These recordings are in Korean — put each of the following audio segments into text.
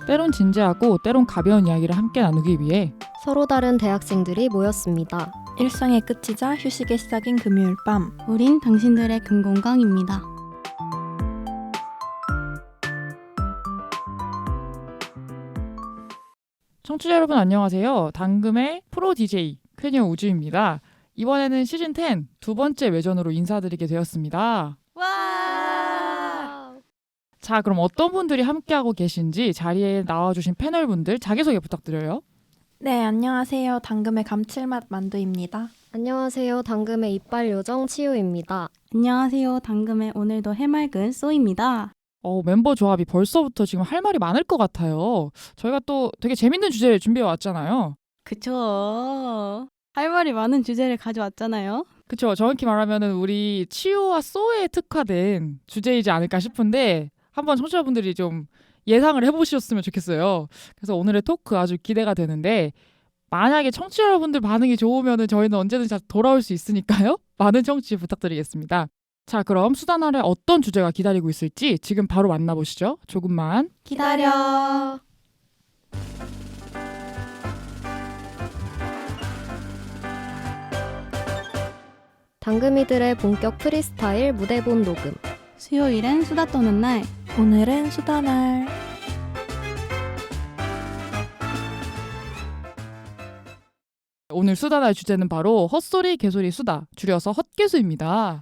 때론 진지하고 때론 가벼운 이야기를 함께 나누기 위해 서로 다른 대학생들이 모였습니다. 일상의 끝이자 휴식의 시작인 금요일 밤. 우린 당신들의 금공강입니다. 청취자 여러분 안녕하세요. 당금의 프로 DJ 쾌녀 우주입니다. 이번에는 시즌 10 두 번째 외전으로 인사드리게 되었습니다. 와! 자, 그럼 어떤 분들이 함께하고 계신지 자리에 나와주신 패널분들 자기소개 부탁드려요. 네, 안녕하세요. 당금의 감칠맛 만두입니다. 안녕하세요. 당금의 이빨 요정 치유입니다. 안녕하세요. 당금의 오늘도 해맑은 쏘입니다. 멤버 조합이 벌써부터 지금 할 말이 많을 것 같아요. 저희가 또 되게 재밌는 주제를 준비해 왔잖아요. 그쵸. 할 말이 많은 주제를 가져왔잖아요. 그쵸. 정확히 말하면 우리 치유와 소에 특화된 주제이지 않을까 싶은데 한번 청취자분들이 좀 예상을 해보셨으면 좋겠어요. 그래서 오늘의 토크 아주 기대가 되는데 만약에 청취자 여러분들 반응이 좋으면 저희는 언제든지 돌아올 수 있으니까요. 많은 청취 부탁드리겠습니다. 자, 그럼 수단 아래 어떤 주제가 기다리고 있을지 지금 바로 만나보시죠. 조금만 기다려. 당금이들의 본격 프리스타일 무대본 녹음. 수요일엔 수다 떠는 날. 오늘은 수다날. 오늘 수다날 주제는 바로 헛소리 개소리 수다, 줄여서 헛개수입니다.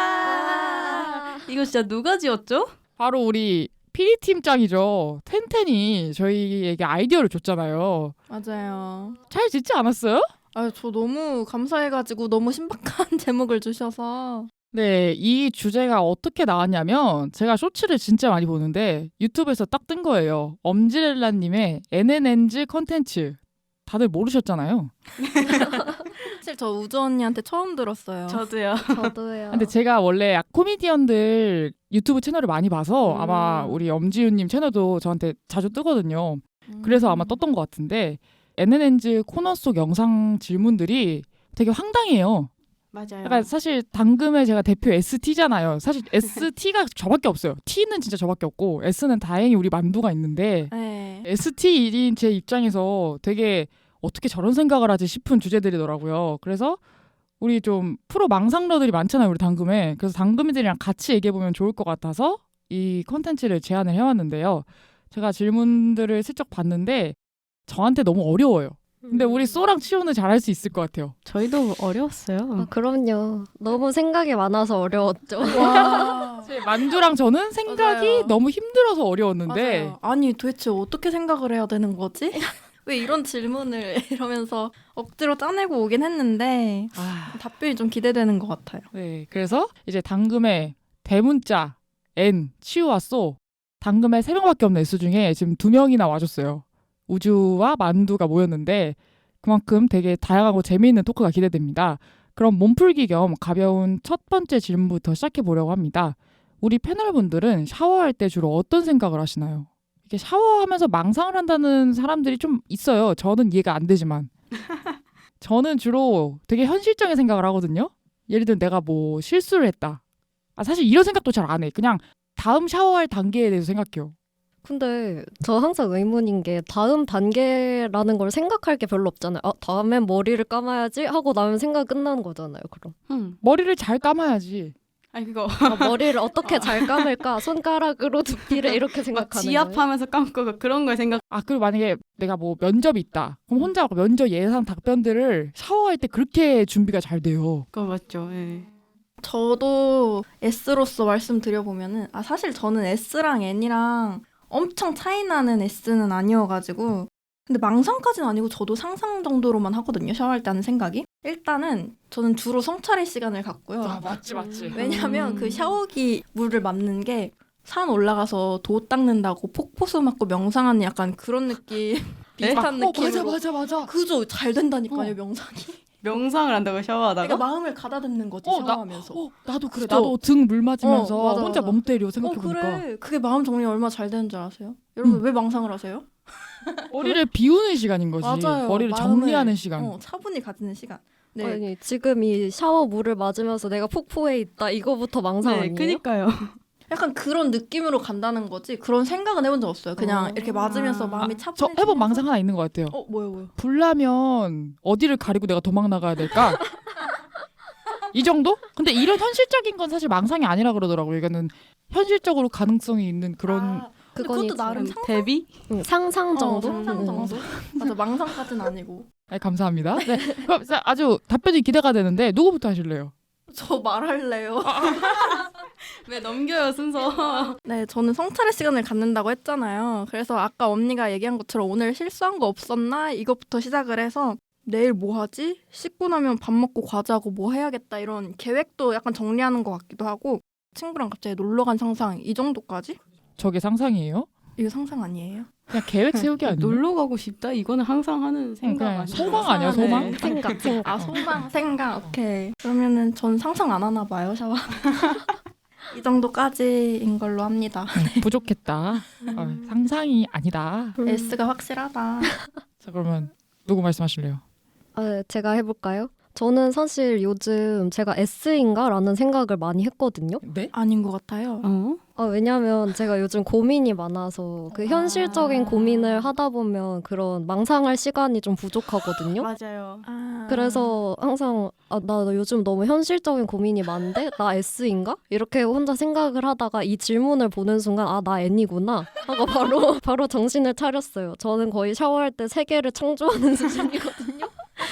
와! 이거 진짜 누가 지었죠? 바로 우리 PD팀장이죠. 텐텐이 저희에게 아이디어를 줬잖아요. 맞아요. 잘 짓지 않았어요? 저 너무 감사해가지고 너무 신박한 제목을 주셔서. 네, 이 주제가 어떻게 나왔냐면 제가 쇼츠를 진짜 많이 보는데 유튜브에서 딱 뜬 거예요. 엄지렐라님의 NNNG 컨텐츠. 다들 모르셨잖아요. 사실 저 우주 언니한테 처음 들었어요. 저도요. 저도요. 근데 제가 원래 코미디언들 유튜브 채널을 많이 봐서 아마 우리 엄지윤님 채널도 저한테 자주 뜨거든요. 그래서 아마 떴던 것 같은데 NNNG 코너 속 영상 질문들이 되게 황당해요. 맞아요. 약간 사실 당금의 제가 대표 ST잖아요. 사실 ST가 저밖에 없어요. T는 진짜 저밖에 없고 S는 다행히 우리 만두가 있는데 네. ST일인 제 입장에서 되게 어떻게 저런 생각을 하지 싶은 주제들이더라고요. 그래서 우리 좀 프로 망상러들이 많잖아요. 우리 당금에. 그래서 당금이들이랑 같이 얘기해보면 좋을 것 같아서 이 컨텐츠를 제안을 해왔는데요. 제가 질문들을 슬쩍 봤는데 저한테 너무 어려워요. 근데 우리 쏘랑 치호는 잘할 수 있을 것 같아요. 저희도 어려웠어요. 그럼요. 너무 생각이 많아서 어려웠죠. 와. 만두랑 저는 생각이 맞아요. 너무 힘들어서 어려웠는데 맞아요. 아니 도대체 어떻게 생각을 해야 되는 거지? 왜 이런 질문을 이러면서 억지로 짜내고 오긴 했는데 답변이 좀 기대되는 것 같아요. 네, 그래서 이제 당금의 대문자 N, 치유와 쏘 당금의 3명밖에 없는 S 중에 지금 2명이나 와줬어요. 우주와 만두가 모였는데 그만큼 되게 다양하고 재미있는 토크가 기대됩니다. 그럼 몸풀기 겸 가벼운 첫 번째 질문부터 시작해 보려고 합니다. 우리 패널분들은 샤워할 때 주로 어떤 생각을 하시나요? 이렇게 샤워하면서 망상을 한다는 사람들이 좀 있어요. 저는 이해가 안 되지만 저는 주로 되게 현실적인 생각을 하거든요. 예를 들면 내가 뭐 실수를 했다. 사실 이런 생각도 잘 안 해. 그냥 다음 샤워할 단계에 대해서 생각해요. 근데 저 항상 의문인 게 다음 단계라는 걸 생각할 게 별로 없잖아요. 다음엔 머리를 감아야지 하고 나면 생각 끝나는 거잖아요. 그럼 머리를 잘 감아야지. 아니 그거 머리를 어떻게 잘 감을까? 손가락으로 두피를 이렇게 생각하는 거예요. 지압하면서 감고 그런 걸 생각. 그리고 만약에 내가 뭐 면접이 있다. 그럼 혼자 면접 예상 답변들을 샤워할 때 그렇게 준비가 잘 돼요. 그거 맞죠. 예. 저도 S로서 말씀드려보면은 사실 저는 S랑 N이랑 엄청 차이나는 S는 아니어가지고 근데 망상까지는 아니고 저도 상상 정도로만 하거든요. 샤워할 때 하는 생각이. 일단은 저는 주로 성찰의 시간을 갖고요. 맞지. 왜냐하면 그 샤워기 물을 맞는 게 산 올라가서 도 닦는다고 폭포수 맞고 명상하는 약간 그런 느낌 비슷한 느낌으로. 맞아. 그죠? 잘 된다니까요 명상이. 명상을 한다고 샤워하다가? 그러니까 마음을 가다듬는 거지 샤워하면서. 나도 그래. 그죠? 나도 등 물 맞으면서 맞아, 혼자 맞아. 멍 때려 생각해보니까. 그래. 그게 마음 정리 얼마나 잘 되는 줄 아세요? 여러분 왜 망상을 하세요? 머리를 비우는 시간인 거지. 맞아요. 머리를 마음을, 정리하는 시간. 차분히 가지는 시간. 네. 아니 지금 이 샤워 물을 맞으면서 내가 폭포에 있다 이거부터 망상 네, 아니에요? 그니까요. 약간 그런 느낌으로 간다는 거지. 그런 생각은 해본 적 없어요. 그냥 이렇게 맞으면서 마음이 저 차분해지면서. 해본 망상 하나 있는 것 같아요. 뭐요? 불나면 어디를 가리고 내가 도망 나가야 될까? 이 정도? 근데 이런 현실적인 건 사실 망상이 아니라 그러더라고요. 이거는 현실적으로 가능성이 있는 그런 근데 그건 그것도 있죠. 나름 상상, 데뷔? 상상 정도? 상상 정도? 맞아, 망상까지는 아니고. 네, 감사합니다. 네, 그럼 아주 답변이 기대가 되는데 누구부터 하실래요? 저 말할래요. 왜 넘겨요 순서? 네, 저는 성찰의 시간을 갖는다고 했잖아요. 그래서 아까 언니가 얘기한 것처럼 오늘 실수한 거 없었나? 이것부터 시작을 해서 내일 뭐 하지? 씻고 나면 밥 먹고 과자하고 뭐 해야겠다 이런 계획도 약간 정리하는 것 같기도 하고 친구랑 갑자기 놀러 간 상상 이 정도까지? 저게 상상이에요? 이거 상상 아니에요? 그냥 계획 세우기 아니에요? 놀러 가고 싶다? 이거는 항상 하는 생각 그냥 아니에요? 소망 아니야, 소망? 네. 생각. 아, 소망, 생각. 오케이. 그러면은 전 상상 안 하나 봐요, 샤워. 이 정도까지인 걸로 합니다. 부족했다. 상상이 아니다. S가 확실하다. 자, 그러면 누구 말씀하실래요? 제가 해볼까요? 저는 사실 요즘 제가 S인가라는 생각을 많이 했거든요. 네? 아닌 것 같아요. 왜냐면 제가 요즘 고민이 많아서 그 현실적인 고민을 하다 보면 그런 망상할 시간이 좀 부족하거든요. 맞아요. 그래서 항상 나 요즘 너무 현실적인 고민이 많은데 나 S인가? 이렇게 혼자 생각을 하다가 이 질문을 보는 순간 나 N이구나 하고 바로 정신을 차렸어요. 저는 거의 샤워할 때 세계를 창조하는 수준이거든요.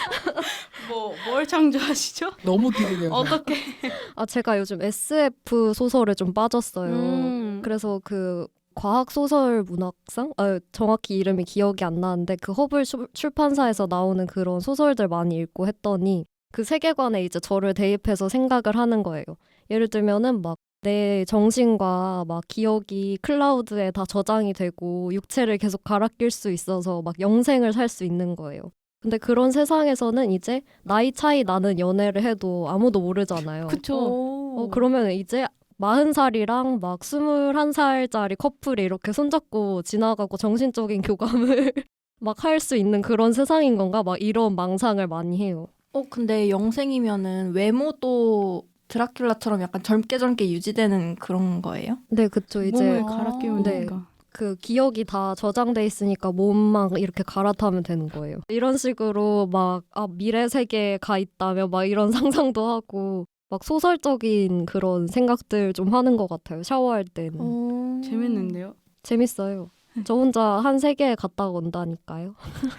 뭘 창조하시죠? 너무 기대돼요. 어떻게? 제가 요즘 SF 소설에 좀 빠졌어요. 그래서 그 과학 소설 문학상? 정확히 이름이 기억이 안 나는데 그 허블 출판사에서 나오는 그런 소설들 많이 읽고 했더니 그 세계관에 이제 저를 대입해서 생각을 하는 거예요. 예를 들면은 막 내 정신과 막 기억이 클라우드에 다 저장이 되고 육체를 계속 갈아 낄 수 있어서 막 영생을 살 수 있는 거예요. 근데 그런 세상에서는 이제 나이 차이 나는 연애를 해도 아무도 모르잖아요. 그쵸. 그러면 이제 40살이랑 막 21살짜리 커플이 이렇게 손잡고 지나가고 정신적인 교감을 막 할 수 있는 그런 세상인 건가? 막 이런 망상을 많이 해요. 근데 영생이면은 외모도 드라큘라처럼 약간 젊게 유지되는 그런 거예요? 네, 그쵸. 이제 몸을 갈아 끼우는 네. 거니까. 그 기억이 다 저장돼 있으니까 몸만 이렇게 갈아타면 되는 거예요. 이런 식으로 막 미래 세계에 가 있다며 막 이런 상상도 하고 막 소설적인 그런 생각들 좀 하는 것 같아요. 샤워할 때는. 재밌는데요? 재밌어요. 저 혼자 한 세계에 갔다 온다니까요.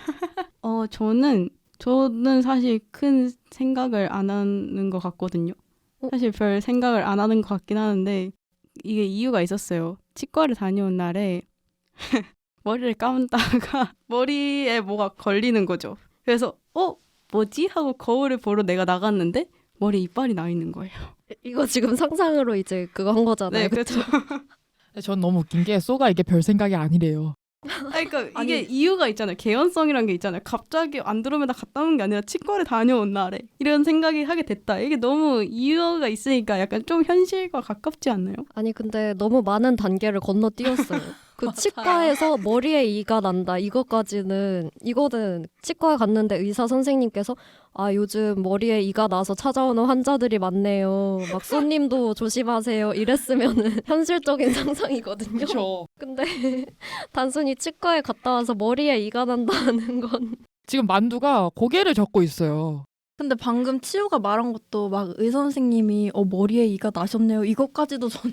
저는 사실 큰 생각을 안 하는 것 같거든요. 사실 별 생각을 안 하는 것 같긴 하는데 이게 이유가 있었어요. 치과를 다녀온 날에 머리를 감다가 머리에 뭐가 걸리는 거죠. 그래서 뭐지? 하고 거울을 보러 내가 나갔는데 머리에 이빨이 나 있는 거예요. 이거 지금 상상으로 이제 그거 한 거잖아요. 네, 그렇죠. 전 너무 웃긴 게 쏘가 이게 별 생각이 아니래요. 그러니까 이게 이유가 있잖아요. 개연성이란 게 있잖아요. 갑자기 안드로메다 갔다 온 게 아니라 치과를 다녀온 날에 이런 생각이 하게 됐다. 이게 너무 이유가 있으니까 약간 좀 현실과 가깝지 않나요? 아니 근데 너무 많은 단계를 건너뛰었어요. 그 치과에서 머리에 이가 난다 이거는 치과에 갔는데 의사 선생님께서 요즘 머리에 이가 나서 찾아오는 환자들이 많네요. 막 손님도 조심하세요. 이랬으면은 현실적인 상상이거든요. 그렇죠. 근데 단순히 치과에 갔다 와서 머리에 이가 난다는 건 지금 만두가 고개를 젓고 있어요. 근데 방금 치우가 말한 것도 막 의사 선생님이 머리에 이가 나셨네요. 이것까지도 저는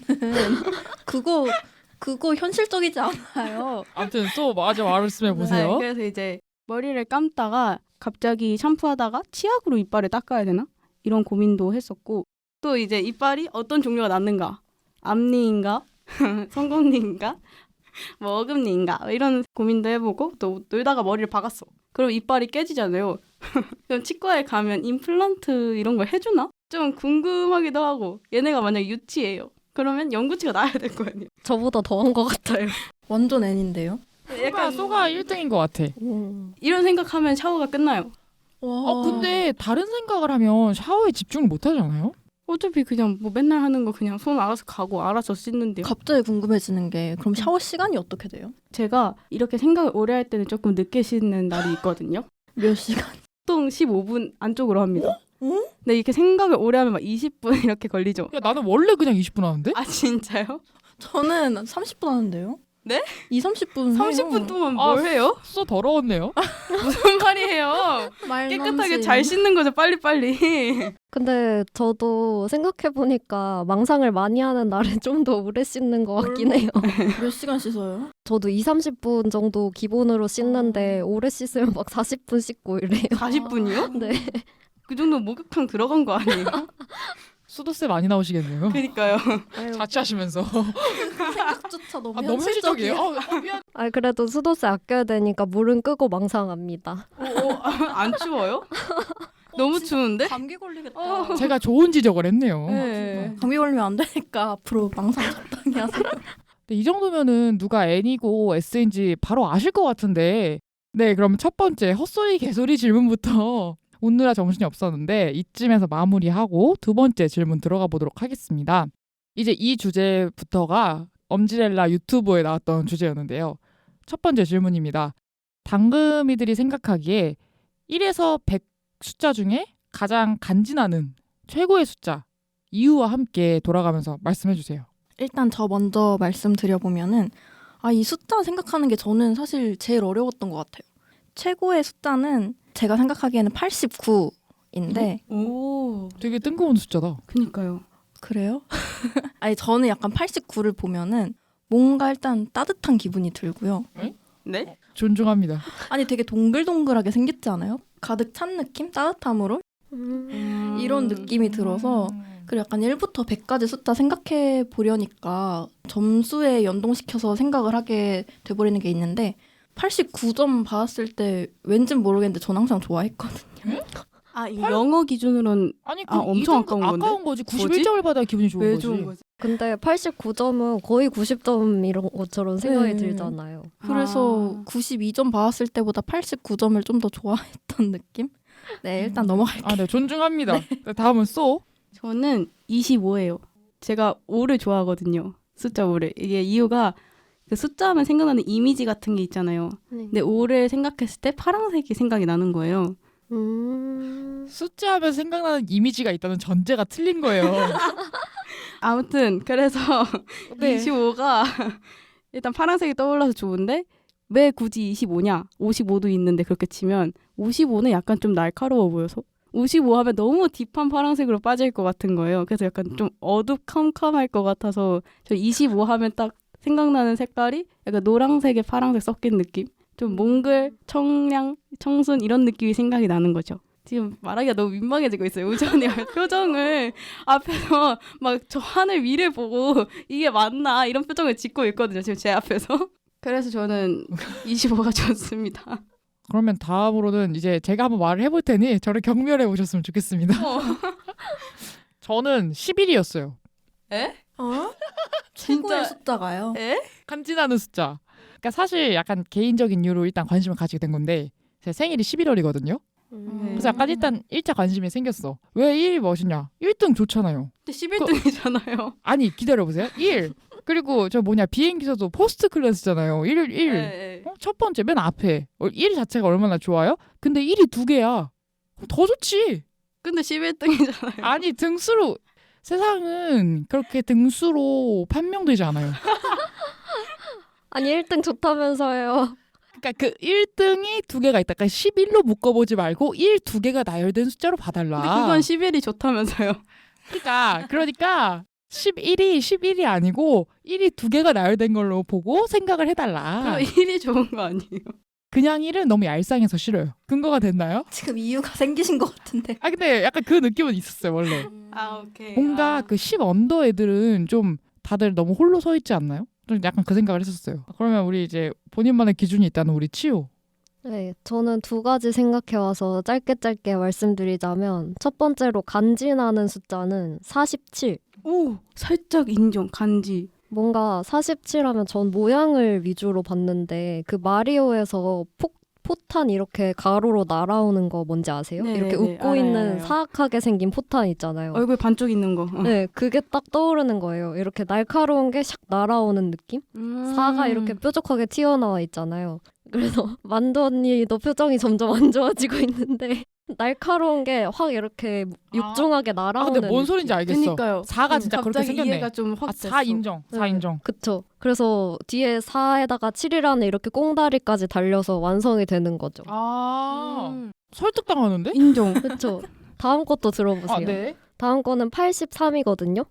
그거 현실적이지 않아요. 아무튼 쏘 맞아 말씀해 보세요. 네, 그래서 이제 머리를 감다가 갑자기 샴푸하다가 치약으로 이빨을 닦아야 되나? 이런 고민도 했었고 또 이제 이빨이 어떤 종류가 났는가? 앞니인가? 송곳니인가? 뭐 어금니인가? 이런 고민도 해보고 또 놀다가 머리를 박았어. 그럼 이빨이 깨지잖아요. 그럼 치과에 가면 임플란트 이런 걸 해주나? 좀 궁금하기도 하고 얘네가 만약에 유치예요. 그러면 연구치가 나야 될 거 아니에요. 저보다 더한 것 같아요. 완전 N인데요. 쏘가 1등인 것 같아. 이런 생각하면 샤워가 끝나요. 와. 근데 다른 생각을 하면 샤워에 집중을 못 하잖아요? 어차피 그냥 뭐 맨날 하는 거 그냥 손 알아서 가고 알아서 씻는데요. 갑자기 궁금해지는 게 그럼 샤워 시간이 어떻게 돼요? 제가 이렇게 생각을 오래 할 때는 조금 늦게 씻는 날이 있거든요. 몇 시간? 보통 15분 안쪽으로 합니다. 근데 이렇게 생각을 오래 하면 막 20분 이렇게 걸리죠. 야, 나는 원래 그냥 20분 하는데? 아 진짜요? 저는 30분 하는데요. 네? 30분 30분 동안 아, 뭘 해요? 수저 더러웠네요. 무슨 말이에요? 깨끗하게 잘 씻는 거죠, 빨리빨리. 근데 저도 생각해보니까 망상을 많이 하는 날은 좀 더 오래 씻는 것 같긴 해요. 몇 시간 씻어요? 저도 20-30분 정도 기본으로 씻는데 오래 씻으면 막 40분 씻고 이래요. 40분이요? 네. 그 정도 목욕탕 들어간 거 아니에요? 수도세 많이 나오시겠네요. 그니까요. 아유, 자취하시면서. 생각조차 너무 너무 현실적이에요. 현실적이에요. 그래도 수도세 아껴야 되니까 물은 끄고 망상합니다. 안 추워요? 너무 추운데? 감기 걸리겠다. 제가 좋은 지적을 했네요. 네. 감기 걸리면 안 되니까 앞으로 망상 적당히 하세요. 근데 이 정도면은 누가 N이고 S인지 바로 아실 것 같은데. 네, 그럼 첫 번째 헛소리 개소리 질문부터 오느라 정신이 없었는데 이쯤에서 마무리하고 두 번째 질문 들어가 보도록 하겠습니다. 이제 이 주제부터가 엄지렐라 유튜브에 나왔던 주제였는데요. 첫 번째 질문입니다. 당금이들이 생각하기에 1에서 100 숫자 중에 가장 간지나는 최고의 숫자 이유와 함께 돌아가면서 말씀해 주세요. 일단 저 먼저 말씀드려보면은 이 숫자 생각하는 게 저는 사실 제일 어려웠던 것 같아요. 최고의 숫자는 제가 생각하기에는 89인데 오, 되게 뜬금없는 숫자다. 그니까요. 그래요? 아니 저는 약간 89를 보면은 뭔가 일단 따뜻한 기분이 들고요. 네? 존중합니다. 아니 되게 동글동글하게 생겼지 않아요? 가득 찬 느낌? 따뜻함으로? 이런 느낌이 들어서 그리고 약간 1부터 100까지 숫자 생각해 보려니까 점수에 연동시켜서 생각을 하게 돼버리는 게 있는데 89점 받았을 때 왠진 모르겠는데 전 항상 좋아했거든요. 이거 영어 기준으로는 아니 엄청 아까운 건데? 아까운 거지. 뭐지? 91점을 받아야 기분이 좋은 왜 거지. 좋은 거지? 근데 89점은 거의 90점 이런 것처럼 생각이 네. 들잖아요. 그래서 92점 받았을 때보다 89점을 좀 더 좋아했던 느낌? 네, 일단 넘어갈게요. 네, 존중합니다. 네, 다음은 쏘. 저는 25예요. 제가 5를 좋아하거든요. 숫자 5를. 이게 이유가 그 숫자 하면 생각나는 이미지 같은 게 있잖아요. 근데 5를 생각했을 때 파란색이 생각이 나는 거예요. 숫자하면 생각나는 이미지가 있다는 전제가 틀린 거예요. 아무튼 그래서 네. 25가 일단 파란색이 떠올라서 좋은데 왜 굳이 25냐? 55도 있는데 그렇게 치면 55는 약간 좀 날카로워 보여서 55 하면 너무 딥한 파란색으로 빠질 것 같은 거예요. 그래서 약간 좀 어두컴컴할 것 같아서 저 25 하면 딱 생각나는 색깔이 약간 노란색에 파란색 섞인 느낌? 좀 몽글, 청량, 청순 이런 느낌이 생각이 나는 거죠. 지금 말하기가 너무 민망해지고 있어요. 우전이 표정을 앞에서 막 저 하늘 위를 보고 이게 맞나 이런 표정을 짓고 있거든요. 지금 제 앞에서. 그래서 저는 25가 좋습니다. 그러면 다음으로는 이제 제가 한번 말을 해볼 테니 저를 경멸해 보셨으면 좋겠습니다. 저는 11이었어요. 에? 최고의 진짜- 숫자가요. 에? 간지나는 숫자. 그러니까 사실 약간 개인적인 이유로 일단 관심을 가지게 된 건데 제 생일이 11월이거든요. 그래서 약간 일단 1차 관심이 생겼어. 왜 1이 멋있냐? 1등 좋잖아요. 근데 11등이잖아요. 아니 기다려보세요. 1. 그리고 저 비행기에서도 포스트 클래스잖아요. 1. 첫 번째 맨 앞에 1 자체가 얼마나 좋아요? 근데 1이 2개야. 더 좋지. 근데 11등이잖아요. 아니 등수로 세상은 그렇게 등수로 판명되지 않아요. 아니 1등 좋다면서요. 그러니까 그 1등이 2개가 있다. 그러니까 11로 묶어보지 말고 1, 2개가 나열된 숫자로 봐달라. 근데 그건 11이 좋다면서요. 그러니까 11이 아니고 1이 2개가 나열된 걸로 보고 생각을 해달라. 그럼 1이 좋은 거 아니에요? 그냥 1은 너무 얄쌍해서 싫어요. 근거가 됐나요? 지금 이유가 생기신 것 같은데. 근데 약간 그 느낌은 있었어요 원래. 오케이. 뭔가 그 10 언더 애들은 좀 다들 너무 홀로 서 있지 않나요? 좀 약간 그 생각을 했었어요. 그러면 우리 이제 본인만의 기준이 있다는 우리 치우. 네, 저는 두 가지 생각해와서 짧게 말씀드리자면 첫 번째로 간지나는 숫자는 47. 오, 살짝 인정. 간지. 뭔가 47하면 전 모양을 위주로 봤는데 그 마리오에서 포탄 이렇게 가로로 날아오는 거 뭔지 아세요? 네, 이렇게 네, 웃고 알아요, 있는 알아요. 사악하게 생긴 포탄 있잖아요. 얼굴 반쪽 있는 거. 네, 그게 딱 떠오르는 거예요. 이렇게 날카로운 게 샥 날아오는 느낌? 사가 이렇게 뾰족하게 튀어나와 있잖아요. 그래서 만두 언니도 표정이 점점 안 좋아지고 있는데 날카로운 게 확 이렇게 육중하게 아 날아오는. 근데 뭔 소린지 알겠어. 그니까요. 4가 진짜 그렇게 갑자기 생겼네. 이해가 좀 확 아, 됐어. 4 인정. 4 네. 인정. 그쵸. 그래서 뒤에 4에다가 7이라는 이렇게 꽁다리까지 달려서 완성이 되는 거죠. 아 설득당하는데? 인정. 그쵸. 다음 것도 들어보세요. 아 네. 다음 거는 83이거든요.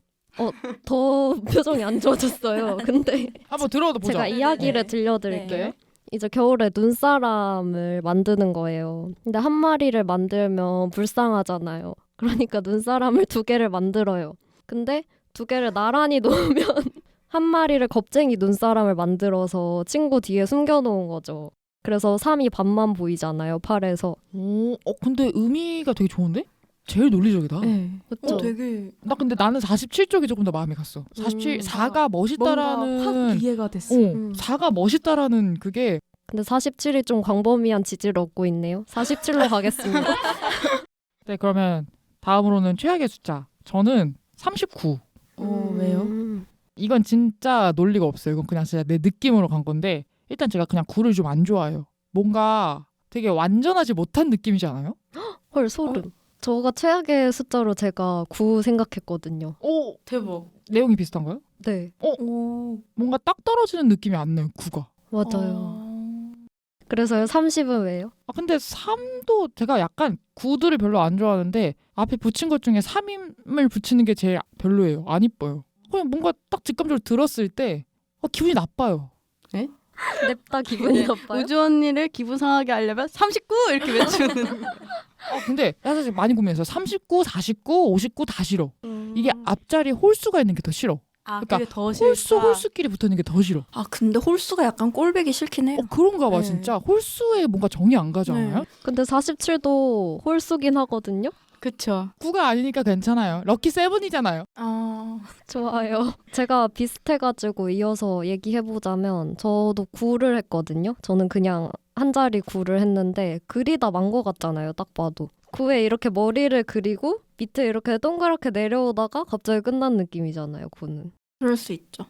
더 표정이 안 좋아졌어요. 근데 한번 들어도 보자. 제가 이야기를 네. 들려드릴게요. 네. 이제 겨울에 눈사람을 만드는 거예요. 근데 한 마리를 만들면 불쌍하잖아요. 그러니까 눈사람을 2개를 만들어요. 근데 2개를 나란히 놓으면 한 마리를 겁쟁이 눈사람을 만들어서 친구 뒤에 숨겨놓은 거죠. 그래서 3이 반만 보이잖아요, 팔에서. 오, 근데 의미가 되게 좋은데? 제일 논리적이다. 네. 그쵸? 되게 나 근데 나는 47쪽이 조금 더 마음에 갔어. 47, 4가 뭔가 멋있다라는 확 이해가 됐어. 4가 멋있다라는 그게 근데 47이 좀 광범위한 지지를 얻고 있네요. 47로 가겠습니다. 네, 그러면 다음으로는 최악의 숫자. 저는 39. 왜요? 이건 진짜 논리가 없어요. 이건 그냥 진짜 내 느낌으로 간 건데 일단 제가 그냥 9를 좀 안 좋아해요. 뭔가 되게 완전하지 못한 느낌이지 않아요? 헐, 소름. 저가 최악의 숫자로 제가 9 생각했거든요. 오, 대박. 내용이 비슷한가요? 네, 오 뭔가 딱 떨어지는 느낌이 안 나요. 9가. 맞아요. 그래서요, 30은 왜요? 아 근데 3도 제가 약간 9들을 별로 안 좋아하는데 앞에 붙인 것 중에 3임을 붙이는 게 제일 별로예요. 안 이뻐요. 그냥 뭔가 딱 직감적으로 들었을 때 기분이 나빠요. 냅다 기분이 나빠요? 우주 언니를 기분 상하게 하려면 39 이렇게 외치는. 근데 사실 많이 고민했어요. 39, 49, 59 다 싫어. 이게 앞자리 홀수가 있는 게 더 싫어. 아, 그러니까 그게 더 홀수끼리 붙어 있는 게 더 싫어. 아 근데 홀수가 약간 꼴배기 싫긴 해요. 그런가 봐 네. 진짜. 홀수에 뭔가 정이 안 가지 않아요? 네. 근데 47도 홀수긴 하거든요. 그쵸. 9가 아니니까 괜찮아요. 럭키 세븐이잖아요. 아 좋아요. 제가 비슷해가지고 이어서 얘기해보자면 저도 9를 했거든요. 저는 그냥 한 자리 9를 했는데 그리다 만 것 같잖아요. 딱 봐도. 9에 이렇게 머리를 그리고 밑에 이렇게 동그랗게 내려오다가 갑자기 끝난 느낌이잖아요. 9는. 그럴 수 있죠.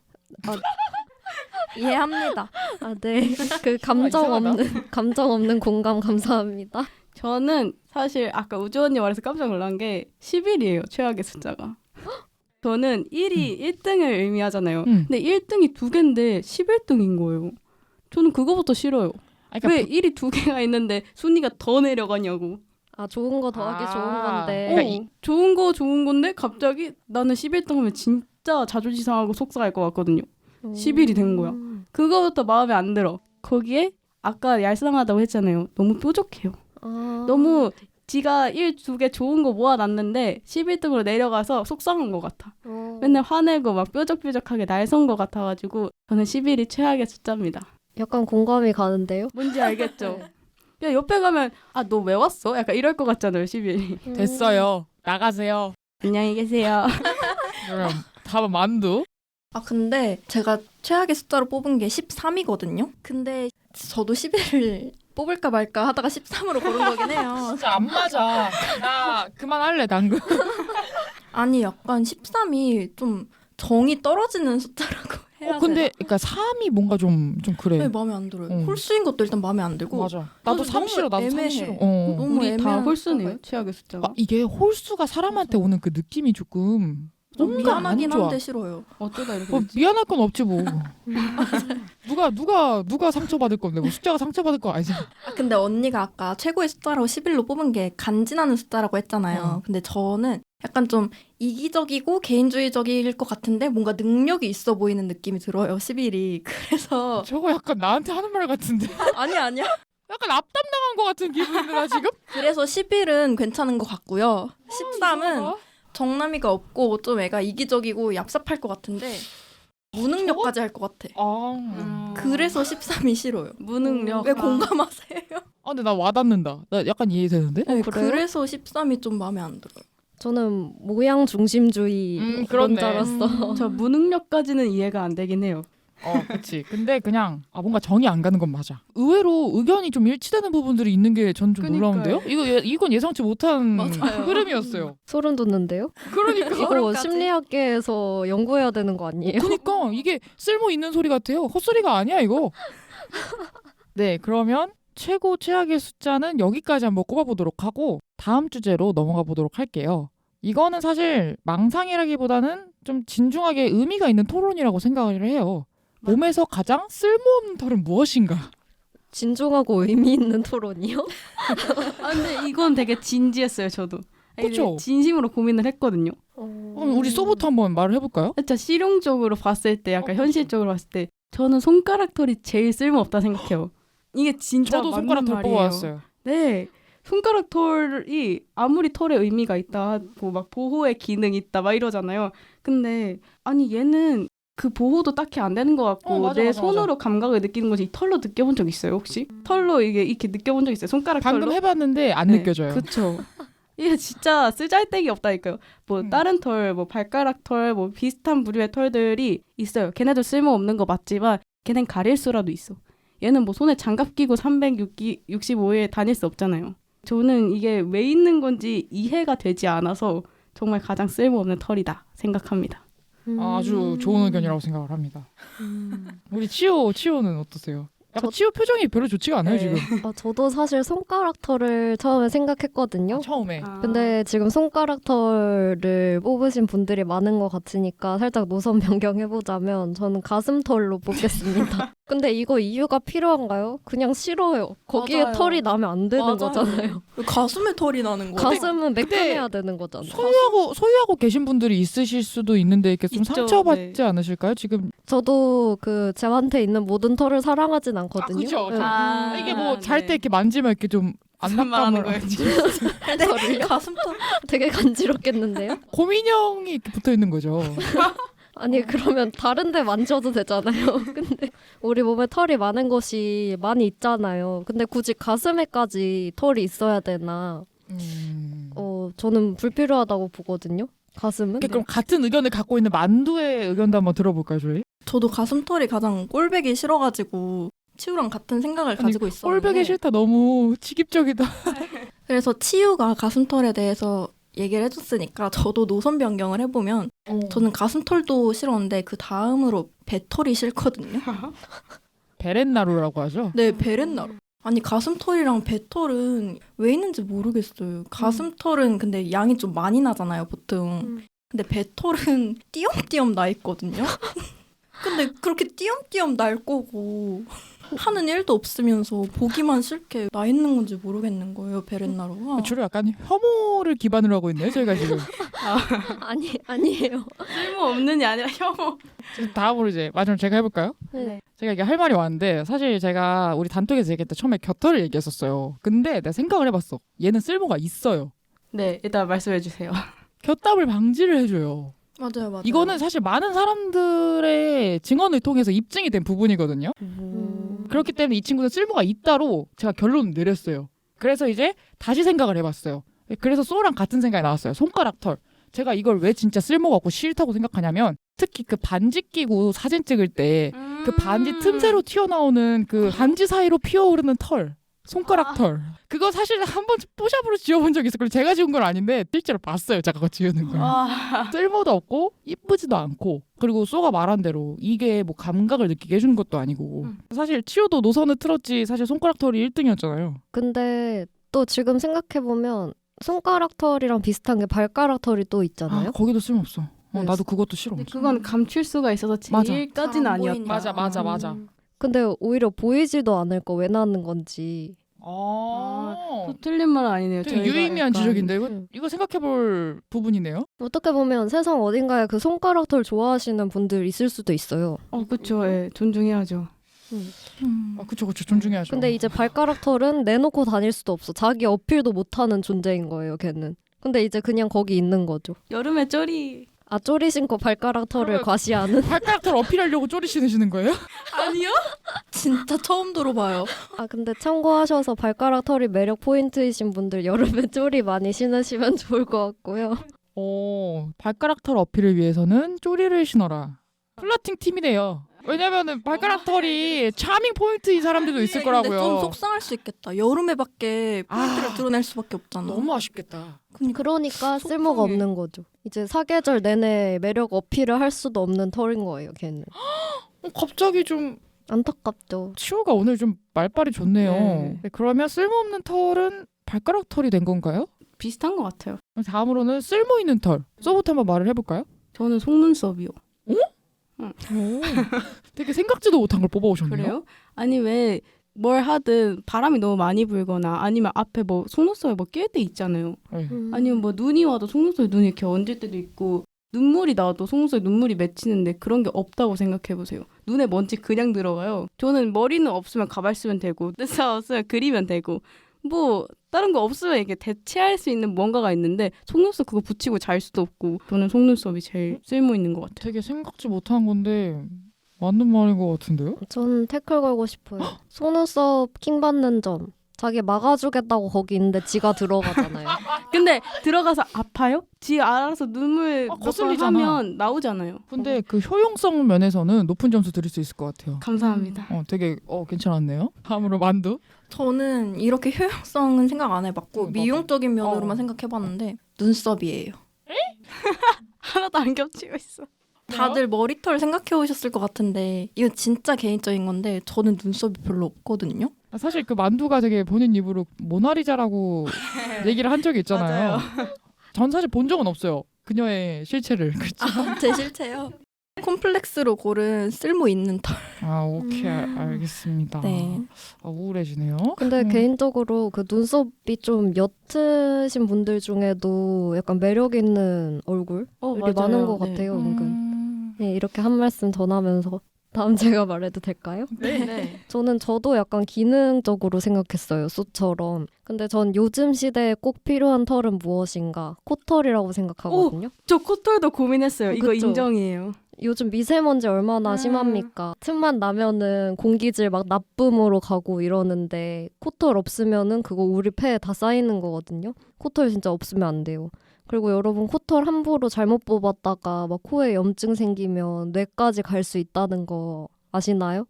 이해합니다. 아, 네. 그 감정 없는 공감 감사합니다. 저는 사실 아까 우주 언니 말해서 깜짝 놀란 게 10일이에요. 최악의 숫자가. 저는 1이 1등을 의미하잖아요. 근데 1등이 2개인데 11등인 거예요. 저는 그거부터 싫어요. 그러니까 왜 1이 2개가 있는데 순위가 더 내려가냐고. 아, 좋은 거 더하기 좋은 건데. 그러니까 좋은 건데 갑자기 나는 11등 하면 진짜 자존심 상하고 속상할 것 같거든요. 10일이 된 거야. 그거부터 마음에 안 들어. 거기에 아까 얄쌍하다고 했잖아요. 너무 뾰족해요. 너무 지가 1, 2개 좋은 거 모아놨는데 11등으로 내려가서 속상한 것 같아. 맨날 화내고 막 뾰족뾰족하게 날선 것 같아가지고 저는 11이 최악의 숫자입니다. 약간 공감이 가는데요? 뭔지 알겠죠? 그냥 옆에 가면 아, 너 왜 왔어? 약간 이럴 것 같잖아요. 11이. 됐어요. 나가세요. 안녕히 계세요. 그럼 다음은 만두. 아 근데 제가 최악의 숫자로 뽑은 게 13이거든요. 근데 저도 11을 뽑을까 말까 하다가 13으로 고른 거긴 해요. 진짜 안 맞아. 나 그만할래 당근. 아니 약간 13이 좀 정이 떨어지는 숫자라고 해야 근데 되나? 그러니까 3이 뭔가 좀 그래. 네, 마음에 안 들어요. 응. 홀수인 것도 일단 마음에 안 들고. 맞아. 나도 너무 3 싫어. 나도 3 애매해. 싫어. 너무 우리 다 애매한 홀수네요. 숫자가 최악의 숫자가. 이게 홀수가 사람한테 오는 그 느낌이 조금 좀 뭔가 안 미안하긴 좋아. 한데 싫어요. 어쩌다 이렇게 됐지? 미안할 건 없지 뭐. 누가 상처받을 건데 뭐 숫자가 상처받을 거 아니지. 아, 근데 언니가 아까 최고의 숫자라고 11로 뽑은 게 간지나는 숫자라고 했잖아요. 근데 저는 약간 좀 이기적이고 개인주의적일 것 같은데 뭔가 능력이 있어 보이는 느낌이 들어요. 11이. 그래서 저거 약간 나한테 하는 말 같은데. 아니야. 약간 앞담당한 것 같은 기분인데 나 지금? 그래서 11은 괜찮은 것 같고요. 13은 정남이가 없고 좀 애가 이기적이고 얍삽할 것 같은데 무능력까지 할 것 같아. 그래서 13이 싫어요. 무능력. 왜 공감하세요? 근데 나 와닿는다. 나 약간 이해되는데? 네, 그래요? 그래서 13이 좀 마음에 안 들어요. 저는 모양 중심주의 그렇네. 그런자로서 저 무능력까지는 이해가 안 되긴 해요. 그치. 근데 그냥 뭔가 정이 안 가는 건 맞아. 의외로 의견이 좀 일치되는 부분들이 있는 게 전 좀 그니까요. 놀라운데요? 이건 예상치 못한 맞아요. 흐름이었어요. 소름 돋는데요? 그러니까. 이거 소름까지? 심리학계에서 연구해야 되는 거 아니에요? 그러니까 이게 쓸모 있는 소리 같아요. 헛소리가 아니야 이거. 네, 그러면 최고 최악의 숫자는 여기까지 한번 꼽아보도록 하고 다음 주제로 넘어가 보도록 할게요. 이거는 사실 망상이라기보다는 좀 진중하게 의미가 있는 토론이라고 생각을 해요. 몸에서 가장 쓸모없는 털은 무엇인가? 진중하고 의미 있는 토론이요? 아, 근데 이건 되게 진지했어요, 저도. 아니, 그쵸? 진심으로 고민을 했거든요. 그럼 우리 소부터 한번 말을 해볼까요? 진짜 실용적으로 봤을 때, 약간 그치. 현실적으로 봤을 때 저는 손가락 털이 제일 쓸모없다 생각해요. 이게 진짜 저도 맞는 손가락 털 말이에요. 뽑아왔어요. 네. 손가락 털이 아무리 털에 의미가 있다, 막 보호의 기능이 있다, 막 이러잖아요. 근데 아니 얘는 그 보호도 딱히 안 되는 것 같고 맞아, 내 맞아, 손으로 감각을 느끼는 거지 이 털로 느껴본 적 있어요 혹시? 털로 이게 이렇게 느껴본 적 있어요? 손가락 방금 털로? 해봤는데 안 네, 느껴져요. 그쵸. 이게 진짜 쓰잘데기 없다니까요. 뭐 음. 다른 털, 뭐 발가락 털, 뭐 비슷한 부류의 털들이 있어요. 걔네도 쓸모 없는 거 맞지만 걔넨 가릴 수라도 있어. 얘는 뭐 손에 장갑 끼고 365일 다닐 수 없잖아요. 저는 이게 왜 있는 건지 이해가 되지 않아서 정말 가장 쓸모없는 털이다 생각합니다. 아주 좋은 의견이라고 생각을 합니다. 우리 치호는 어떠세요? 약간 저- 치호 표정이 별로 좋지가 않아요 네. 지금. 저도 사실 손가락 털을 처음에 생각했거든요. 처음에. 근데 지금 손가락 털을 뽑으신 분들이 많은 것 같으니까 살짝 노선 변경해보자면 저는 가슴 털로 뽑겠습니다. 근데 이거 이유가 필요한가요? 그냥 싫어요. 거기에 맞아요. 털이 나면 안 되는 맞아요. 거잖아요. 가슴에 털이 나는 거예요. 가슴은 매끈해야 되는 거잖아요. 소유하고 계신 분들이 있으실 수도 있는데 이렇게 좀 있죠, 상처받지 네. 않으실까요? 지금 저도 그 저한테 있는 모든 털을 사랑하진 않거든요. 그죠. 네. 이게 뭐 잘 때 네. 이렇게 만지면 이렇게 좀 무슨 말하는 안락감을 거예요, 지금? 근데 가슴 털 되게 간지럽겠는데요? 고민형이 이렇게 붙어 있는 거죠. 아니 그러면 다른 데 만져도 되잖아요. 근데 우리 몸에 털이 많은 곳이 많이 있잖아요. 근데 굳이 가슴에까지 털이 있어야 되나? 저는 불필요하다고 보거든요. 가슴은. 그럼 같은 의견을 갖고 있는 만두의 의견도 한번 들어볼까요, 저희? 저도 가슴 털이 가장 꼴배기 싫어가지고 치우랑 같은 생각을 가지고 있었는데 꼴배기 싫다 너무 치깁적이다. 그래서 치우가 가슴 털에 대해서 얘기를 해줬으니까 저도 노선 변경을 해보면 저는 가슴 털도 싫었는데 그 다음으로 배털이 싫거든요. 베렌나루라고 하죠. 네, 베렌나루. 아니 가슴 털이랑 배털은 왜 있는지 모르겠어요. 가슴 털은 근데 양이 좀 많이 나잖아요, 보통. 근데 배털은 띄엄띄엄 나 있거든요. 근데 그렇게 띄엄띄엄 날 거고 하는 일도 없으면서 보기만 싫게 나 있는 건지 모르겠는 거예요, 베렌나루가. 주로 약간 혐오를 기반으로 하고 있네요, 저희가 지금. 아니에요. 쓸모없는이 아니라 혐오. 지금 다음으로 이제 마지막 제가 해볼까요? 네. 제가 이게 할 말이 많은데 사실 제가 우리 단톡에서 얘기할 때 처음에 곁털을 얘기했었어요. 근데 내가 생각을 해봤어. 얘는 쓸모가 있어요. 네, 일단 말씀해 주세요. 곁땀을 방지를 해줘요. 맞아요, 맞아요. 이거는 사실 많은 사람들의 증언을 통해서 입증이 된 부분이거든요. 그렇기 때문에 이 친구는 쓸모가 있다로 제가 결론을 내렸어요. 그래서 이제 다시 생각을 해봤어요. 그래서 소랑 같은 생각이 나왔어요. 손가락 털. 제가 이걸 왜 진짜 쓸모가 없고 싫다고 생각하냐면 특히 그 반지 끼고 사진 찍을 때 그 반지 틈새로 튀어나오는 그 반지 사이로 피어오르는 털. 손가락 털. 그거 사실 한번 뽀샵으로 지워본 적이 있어요. 그리고 제가 지운 건 아닌데 실제로 봤어요. 제가 그거 지우는 걸. 쓸모도 없고 이쁘지도 않고 그리고 쏘가 말한 대로 이게 뭐 감각을 느끼게 해주는 것도 아니고 사실 치유도 노선을 틀었지 사실 손가락 털이 1등이었잖아요. 근데 또 지금 생각해보면 손가락 털이랑 비슷한 게 발가락 털이 또 있잖아요. 거기도 쓸모없어. 네. 나도 그것도 싫어. 근데 그건 감출 수가 있어서 맞아. 제일까지는 잘 안 아니었다. 보이니까. 맞아. 근데 오히려 보이지도 않을 거 왜 나는 건지. 또 틀린 말은 아니네요. 되게 저희가 유의미한 약간 지적인데 음. 이거 생각해볼 부분이네요. 어떻게 보면 세상 어딘가에 그 손가락 털 좋아하시는 분들 있을 수도 있어요. 그렇죠. 예, 존중해야죠. 그쵸 존중해야죠. 근데 이제 발가락 털은 내놓고 다닐 수도 없어. 자기 어필도 못하는 존재인 거예요, 걔는. 근데 이제 그냥 거기 있는 거죠. 여름에 쩌리. 쪼리 신고 발가락 털을 그러면- 과시하는. 발가락 털 어필하려고 쪼리 신으시는 거예요? 아니요? 진짜 처음 들어봐요. 근데 참고하셔서 발가락 털이 매력 포인트이신 분들 여름에 쪼리 많이 신으시면 좋을 것 같고요. 발가락 털 어필을 위해서는 쪼리를 신어라. 플러팅 팀이네요. 왜냐면은 발가락 털이 차밍 포인트인 사람들도 있을 근데 거라고요. 좀 속상할 수 있겠다. 여름에밖에 포인트를 드러낼 수밖에 없잖아. 너무 아쉽겠다. 그러니까 속상해. 쓸모가 없는 거죠. 이제 사계절 내내 매력 어필을 할 수도 없는 털인 거예요, 걔는. 갑자기 좀 안타깝죠. 치호가 오늘 좀 말빨이 좋네요. 네. 그러면 쓸모없는 털은 발가락 털이 된 건가요? 비슷한 것 같아요. 다음으로는 쓸모 있는 털. 쏘부터 한번 말을 해볼까요? 저는 속눈썹이요. 되게 생각지도 못한 걸 뽑아오셨네요. 그래요? 아니 왜 뭘 하든 바람이 너무 많이 불거나 아니면 앞에 뭐 속눈썹에 뭐 낄 때 있잖아요. 네. 아니면 뭐 눈이 와도 속눈썹에 눈이 이렇게 얹을 때도 있고 눈물이 나도 속눈썹에 눈물이 맺히는데 그런 게 없다고 생각해보세요. 눈에 먼지 그냥 들어가요. 저는 머리는 없으면 가발 쓰면 되고 뜻사 없으면 그리면 되고 뭐 다른 거 없으면 이게 대체할 수 있는 뭔가가 있는데 속눈썹 그거 붙이고 잘 수도 없고 저는 속눈썹이 제일 쓸모 있는 것 같아요. 되게 생각지 못한 건데 맞는 말인 것 같은데요? 전 태클 걸고 싶어요. 속눈썹 킹 받는 점. 자기 막아주겠다고 거기 있는데 지가 들어가잖아요. 근데 들어가서 아파요? 지 알아서 눈물 몇 번 거슬리잖아. 하면 나오잖아요. 근데 그 효용성 면에서는 높은 점수 드릴 수 있을 것 같아요. 감사합니다. 되게 괜찮았네요. 다음으로 만두. 저는 이렇게 효용성은 생각 안 해봤고 미용적인 면으로만 생각해봤는데 눈썹이에요. 하나도 안 겹치고 있어. 다들 머리털 생각해 오셨을 것 같은데 이거 진짜 개인적인 건데 저는 눈썹이 별로 없거든요. 사실 그 만두가 되게 본인 입으로 모나리자라고 얘기를 한 적이 있잖아요. 전 사실 본 적은 없어요. 그녀의 실체를. 그렇죠? 제 실체요. 콤플렉스로 고른 쓸모 있는 털. 오케이. 알겠습니다. 네. 우울해지네요. 근데 개인적으로 그 눈썹이 좀 옅으신 분들 중에도 약간 매력 있는 얼굴 이렇게 맞아요. 많은 것 네. 같아요. 은근. 네, 이렇게 한 말씀 전하면서 다음 제가 말해도 될까요? 네. 저도 약간 기능적으로 생각했어요. 쏘처럼. 근데 전 요즘 시대에 꼭 필요한 털은 무엇인가? 코털이라고 생각하거든요. 저 코털도 고민했어요. 이거 그쵸? 인정이에요. 요즘 미세먼지 얼마나 심합니까? 틈만 나면은 공기질 막 나쁨으로 가고 이러는데 코털 없으면은 그거 우리 폐에 다 쌓이는 거거든요. 코털 진짜 없으면 안 돼요. 그리고 여러분 코털 함부로 잘못 뽑았다가 막 코에 염증 생기면 뇌까지 갈 수 있다는 거 아시나요?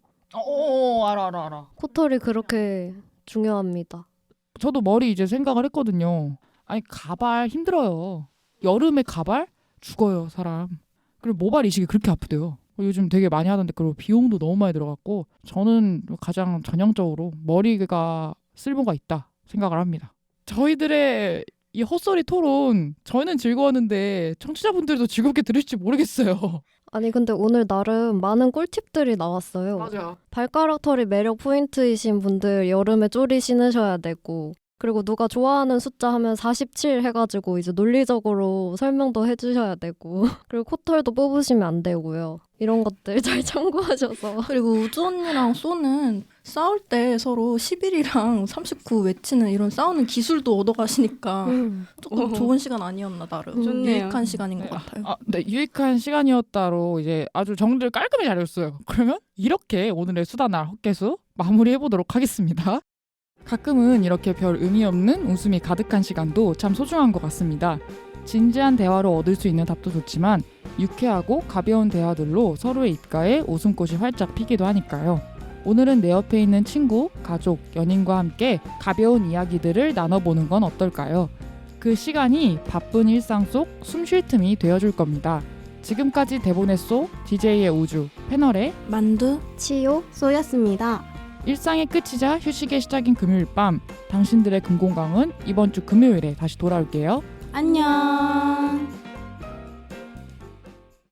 알아. 코털이 그렇게 중요합니다. 저도 머리 이제 생각을 했거든요. 아니 가발 힘들어요. 여름에 가발 죽어요 사람. 그리고 모발 이식이 그렇게 아프대요. 요즘 되게 많이 하던데 그리고 비용도 너무 많이 들어갔고 저는 가장 전형적으로 머리가 쓸모가 있다 생각을 합니다. 저희들의 이 헛소리 토론 저희는 즐거웠는데 청취자분들도 즐겁게 들으실지 모르겠어요. 아니 근데 오늘 나름 많은 꿀팁들이 나왔어요. 맞아요. 발가락 털이 매력 포인트이신 분들 여름에 쪼리 신으셔야 되고 그리고 누가 좋아하는 숫자 하면 47 해가지고 이제 논리적으로 설명도 해주셔야 되고 그리고 코털도 뽑으시면 안 되고요. 이런 것들 잘 참고하셔서 그리고 우주 언니랑 쏘는 싸울 때 서로 11이랑 39 외치는 이런 싸우는 기술도 얻어가시니까 조금 좋은 시간 아니었나 나름. 좋네요. 유익한 시간인 것 같아요. 네, 유익한 시간이었다로 이제 아주 정리를 깔끔히 잘했어요. 그러면 이렇게 오늘의 수다날 헛개수 마무리해보도록 하겠습니다. 가끔은 이렇게 별 의미 없는 웃음이 가득한 시간도 참 소중한 것 같습니다. 진지한 대화로 얻을 수 있는 답도 좋지만 유쾌하고 가벼운 대화들로 서로의 입가에 웃음꽃이 활짝 피기도 하니까요. 오늘은 내 옆에 있는 친구, 가족, 연인과 함께 가벼운 이야기들을 나눠보는 건 어떨까요? 그 시간이 바쁜 일상 속 숨 쉴 틈이 되어줄 겁니다. 지금까지 대본의 쏘, DJ의 우주, 패널의 만두. 치요 쏘였습니다. 일상의 끝이자 휴식의 시작인 금요일 밤 당신들의 금공강은 이번 주 금요일에 다시 돌아올게요. 안녕.